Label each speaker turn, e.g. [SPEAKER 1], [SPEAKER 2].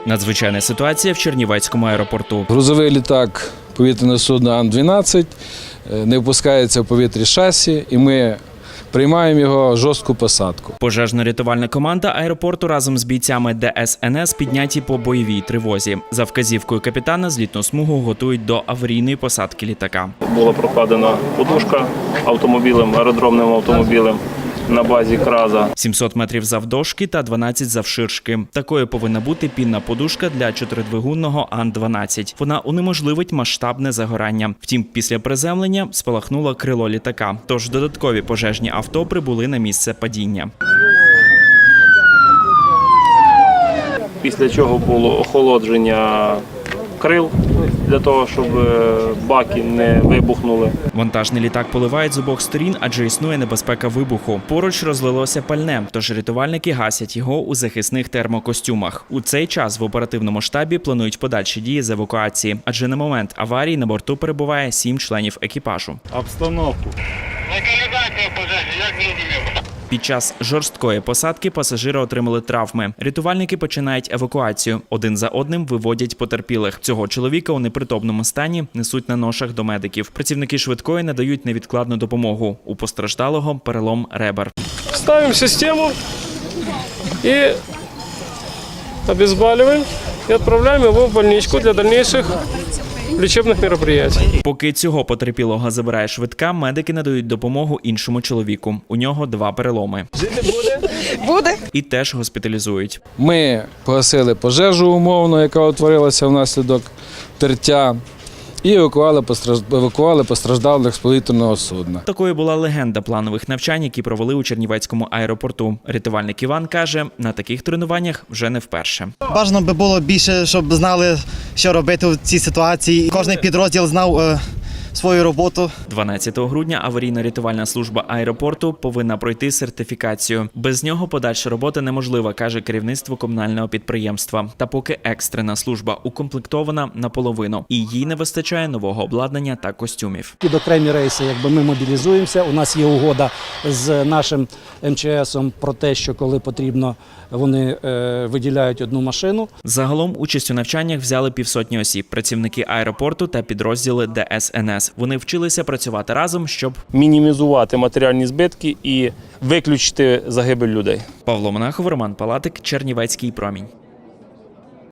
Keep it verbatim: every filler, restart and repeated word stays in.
[SPEAKER 1] Надзвичайна ситуація в Чернівецькому аеропорту.
[SPEAKER 2] Грузовий літак повітряного судна Ан дванадцять не впускається в повітря шасі, і ми приймаємо його жорстку посадку.
[SPEAKER 1] Пожежно-рятувальна команда аеропорту разом з бійцями Де Ес Ен Ес підняті по бойовій тривозі. За вказівкою капітана злітну смугу готують до аварійної посадки літака.
[SPEAKER 3] Була прокладена подушка автомобілем, аеродромним автомобілем на базі Краза.
[SPEAKER 1] сімсот метрів завдовжки та дванадцять завширшки. Такою повинна бути пінна подушка для чотиридвигунного Ан дванадцять. Вона унеможливить масштабне загорання. Втім, після приземлення спалахнуло крило літака. Тож додаткові пожежні авто прибули на місце падіння.
[SPEAKER 3] Після чого було охолодження крил, для того, щоб баки не вибухнули.
[SPEAKER 1] Вантажний літак поливають з обох сторін, адже існує небезпека вибуху. Поруч розлилося пальне, тож рятувальники гасять його у захисних термокостюмах. У цей час в оперативному штабі планують подальші дії з евакуації, адже на момент аварії на борту перебуває сім членів екіпажу.
[SPEAKER 3] Обстановку.
[SPEAKER 4] Локалізація пожежі, як зрозуміло.
[SPEAKER 1] Під час жорсткої посадки пасажири отримали травми. Рятувальники починають евакуацію. Один за одним виводять потерпілих. Цього чоловіка у непритомному стані несуть на ношах до медиків. Працівники швидкої надають невідкладну допомогу. У постраждалого перелом ребер.
[SPEAKER 5] Ставим систему и обезболиваем и отправляем его в больничку для дальнейших лічебних мероприятий.
[SPEAKER 1] Поки цього потерпілого забирає швидка, медики надають допомогу іншому чоловіку. У нього два переломи.
[SPEAKER 5] Жити буде?
[SPEAKER 6] Буде.
[SPEAKER 1] І теж госпіталізують.
[SPEAKER 2] Ми погасили пожежу умовно, яка утворилася внаслідок тертя, і евакуували, постраж... евакуували постраждалих з повітряного судна.
[SPEAKER 1] Такою була легенда планових навчань, які провели у Чернівецькому аеропорту. Рятувальник Іван каже, на таких тренуваннях вже не вперше.
[SPEAKER 7] Бажано би було більше, щоб знали, що робити в цій ситуації. Кожний підрозділ знав е, свою роботу.
[SPEAKER 1] дванадцятого грудня аварійно-рятувальна служба аеропорту повинна пройти сертифікацію. Без нього подальша робота неможлива, каже керівництво комунального підприємства. Та поки екстрена служба укомплектована наполовину, і їй не вистачає нового обладнання та костюмів.
[SPEAKER 8] Під окремі рейси, якби ми мобілізуємося, у нас є угода з нашим Ем Че Есом про те, що коли потрібно, вони е, виділяють одну машину.
[SPEAKER 1] Загалом участь у навчаннях взяли півсотні осіб, працівники аеропорту та підрозділи Де Ес Ен Ес. Вони вчилися працювати разом, щоб
[SPEAKER 3] Мінімізувати матеріальні збитки і виключити загибель людей.
[SPEAKER 1] Павло Монахов, Роман Палатик, Чернівецький промінь.